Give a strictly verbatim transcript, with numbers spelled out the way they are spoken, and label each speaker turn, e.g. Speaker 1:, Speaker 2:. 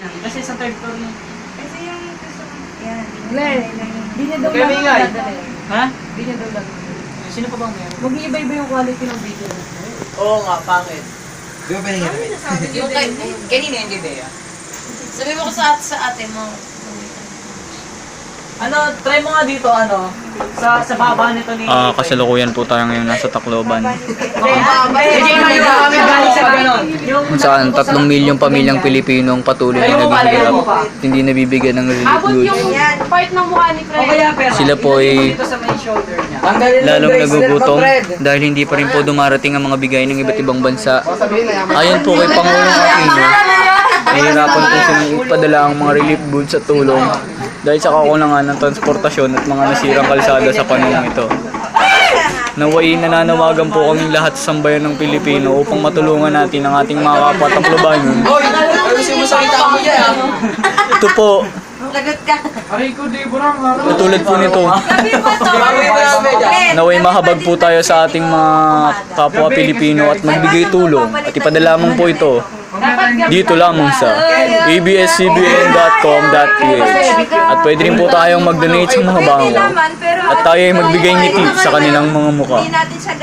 Speaker 1: yan. Kasi sa third floor mo.
Speaker 2: Kasi yung gusto ko. Yan.
Speaker 3: Glenn, di niya daw
Speaker 1: Okay,
Speaker 3: lang
Speaker 1: Mingay.
Speaker 3: dadalhin.
Speaker 1: Ha?
Speaker 3: Di niya daw lang.
Speaker 1: Sino pa bang meron?
Speaker 3: Mag-iiba-iba yung quality ng video.
Speaker 4: Oo nga, pangit.
Speaker 5: Di ba pahinga na?
Speaker 4: Yung kay, kanina yung Judea. Sabi mo ko sa, sa ate mo.
Speaker 1: Ano, try mo nga dito, ano, sa sa baba nito ni...
Speaker 6: Ah, kasalukuyan po tayo ngayon nasa Tacloban.
Speaker 1: Bigay mo yung kami galing sa ganon.
Speaker 6: Kung saan tatlong milyong pamilyang Pilipino ang patuloy na naghihirap at hindi nabibigyan ng relief
Speaker 3: Abot
Speaker 6: goods.
Speaker 3: yung part ng mukha ni
Speaker 1: O
Speaker 3: Fred.
Speaker 1: kaya, pero...
Speaker 6: Sila po ay
Speaker 1: Dito sa main shoulder niya.
Speaker 5: Tanggalin mo
Speaker 6: lalong
Speaker 5: yung bracelet mo,
Speaker 6: nagugutom
Speaker 5: Fred.
Speaker 6: dahil hindi pa rin po dumarating ang mga bigay ng iba't ibang bansa.
Speaker 5: Sabihin na yaman.
Speaker 6: Ayon po kay Pangulong Aquino, nahihirapan po silang ipadala ang mga relief goods at tulong dahil sa kakulangan ng transportasyon at mga nasirang kalsada sa panahong ito. Naway nananawagan po kaming lahat sa sambayan ng Pilipino upang matulungan natin ang ating mga kapwa Taclobanon.
Speaker 4: Hoy! Ayusin mo sa kita mo dyan.
Speaker 6: Ito po,
Speaker 2: Lagot ka.
Speaker 6: katulad po nito,
Speaker 2: Sabi mo to.
Speaker 4: Bawi mo namin dyan.
Speaker 6: naway mahabag po tayo sa ating mga kapwa Pilipino at magbigay tulong at ipadala mo po ito dito lamang sa a b s c b n dot com dot p h at pwede rin po tayong mag-donate sa mga bango at tayo ay magbigay ngiti sa kanilang mga mukha.
Speaker 2: Hindi natin siya